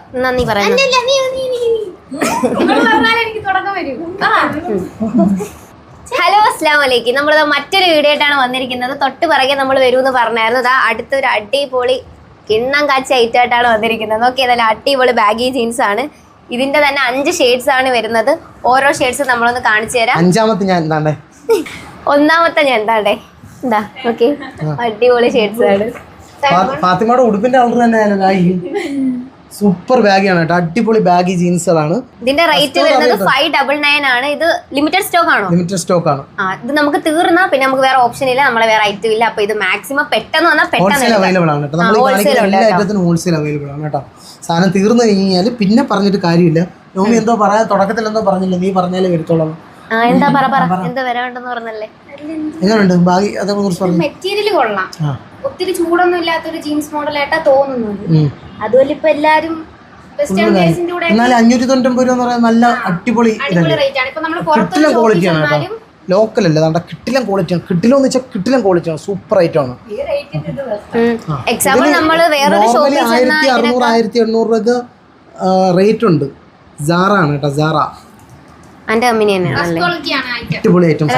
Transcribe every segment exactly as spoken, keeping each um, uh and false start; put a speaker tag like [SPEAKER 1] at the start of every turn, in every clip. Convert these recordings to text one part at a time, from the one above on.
[SPEAKER 1] നന്ദി പറയുന്നു. ഹലോ അസ്സലാമു അലൈക്കും. നമ്മളിത് മറ്റൊരു വീഡിയോ ആയിട്ടാണ് വന്നിരിക്കുന്നത്. തൊട്ട് പിറകെ നമ്മൾ വരുമെന്ന് പറഞ്ഞായിരുന്നു. ഇതാ അടുത്തൊരു അടിപൊളി കിണ്ണം കാച്ചി ഐറ്റായിട്ടാണ് വന്നിരിക്കുന്നത്. നോക്കി ഏതായാലും അടിപൊളി ബാഗി ജീൻസ് ആണ്. ഇതിന്റെ തന്നെ അഞ്ച് ഷെയ്ഡ്സ് ആണ് വരുന്നത്. ഓരോ ഷെയ്ഡ്സ് നമ്മളൊന്ന് കാണിച്ചു തരാം.
[SPEAKER 2] അഞ്ചാമത്തെ ഞാൻ എന്താണ്ടേ
[SPEAKER 1] ഒന്നാമത്തെ ഞാൻ എന്താണ്ടേ എന്താ ഓക്കെ അടിപൊളി ഷെയ്ഡ്സ് ആണ്.
[SPEAKER 2] ഫാത്തിമയുടെ ഉടുപ്പിന്റെ കളർ തന്നെ സൂപ്പർ ബാഗിയാണ് കേട്ടോ. അടിപൊളി ബാഗി ജീൻസുകളാണ്.
[SPEAKER 1] ഇതിന്റെ റേറ്റ് വരുന്നത് ഫൈവ് ഡബിൾ നയൻ ആണ്. ഇത് ലിമിറ്റഡ് സ്റ്റോക്ക് ആണോ?
[SPEAKER 2] ലിമിറ്റഡ് സ്റ്റോക്ക് ആണ്.
[SPEAKER 1] ആ ഇത് നമുക്ക് തീർന്നാ പിന്നെ നമുക്ക് വേറെ ഓപ്ഷൻ ഇല്ല, നമ്മളെ വേറെ ഐറ്റം ഇല്ല. അപ്പൊ ഇത് മാക്സിമം പെട്ടെന്ന് വന്നാൽ പെട്ടെന്ന്
[SPEAKER 2] അവൈലബിൾ ആണ് കേട്ടോ. നമ്മൾ എല്ലാ ഐറ്റത്തിനും ഹോൾസെയിൽ അവൈലബിൾ ആണ് കേട്ടോ. സാധനം തീർന്നു കഴിഞ്ഞാൽ പിന്നെ പറഞ്ഞിട്ട് കാര്യമില്ല. നോമി എന്തോ പറയാ തുടക്കത്തിൽ എന്തോ പറഞ്ഞില്ല, നീ പറഞ്ഞാലേ വരത്തോളാം.
[SPEAKER 1] എന്താ പറ പറ എന്താ വരാണ്ടെന്ന് പറഞ്ഞല്ലേ.
[SPEAKER 2] എങ്ങനെയുണ്ട് ബാഗി? അതേ കുറിച്ച് പറഞ്ഞു.
[SPEAKER 3] മെറ്റീരിയൽ കൊള്ളാം. ഒത്തിരി ചൂടൊന്നും ഇല്ലാത്തൊരു ജീൻസ് മോഡലായിട്ടാ തോന്നുന്നത്. അതുപോലെ ഇപ്പൊ എല്ലാരും
[SPEAKER 2] എന്നാൽ അഞ്ഞൂറ്റി തൊണ്ണൂറ്റൊമ്പത് രൂപ എന്ന് പറയുന്നത് നല്ല അടിപൊളി കിട്ടിലും ക്വാളിറ്റിയാണ് കേട്ടോ. ലോക്കൽ അല്ല, അതാ കിട്ടിലും ക്വാളിറ്റിയാണ്. കിട്ടിലോ എന്ന് വെച്ചാൽ കിട്ടിലും ക്വാളിറ്റിയാണ്. സൂപ്പർ ഐറ്റം ആണ്. നോർമലി ആയിരത്തി അറുന്നൂറ് ആയിരത്തി എണ്ണൂറ് രൂപ റേറ്റ് ഉണ്ട്. സാറ ആണ് കേട്ടോ. സാറ അടിപൊളി ഐറ്റം.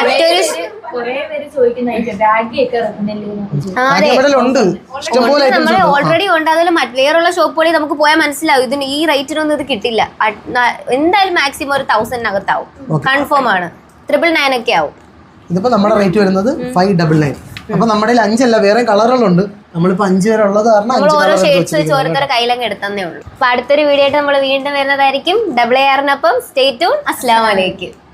[SPEAKER 1] ഓൾറെഡി ഉണ്ട്. അതിൽ വേറുള്ള ഷോപ്പുകളിൽ നമുക്ക് പോയാൽ മനസ്സിലാവും ഇതിന് ഈ റേറ്റിനൊന്നും ഇത് കിട്ടില്ല. എന്തായാലും മാക്സിമം ഒരു തൗസൻഡിനകത്താവും. കൺഫേം ആണ്. ട്രിപ്പിൾ നയൻ ഒക്കെ ആവും.
[SPEAKER 2] ഇതിപ്പോ നമ്മുടെ റേറ്റ് വരുന്നത് ഫൈവ് ഡബിൾ നയൻ. അപ്പൊ നമ്മുടെ അഞ്ചല്ല, വേറെ കളറുകളുണ്ട്. നമ്മളിപ്പോ അഞ്ച് വരെ ഉള്ളത് കാരണം
[SPEAKER 1] ഓരോ ഷെയ്ഡ്സ് വെച്ച് ഓരോരുത്തരുടെ കയ്യിലങ്ങ് എടുത്തേ ഉള്ളൂ. അപ്പൊ അടുത്തൊരു വീഡിയോ ആയിട്ട് നമ്മൾ വീണ്ടും വരുന്നതായിരിക്കും. ഡബിൾ എ ആറിനൊപ്പം സ്റ്റേ ട്യൂൺ. അസ്സലാമു അലൈക്കും.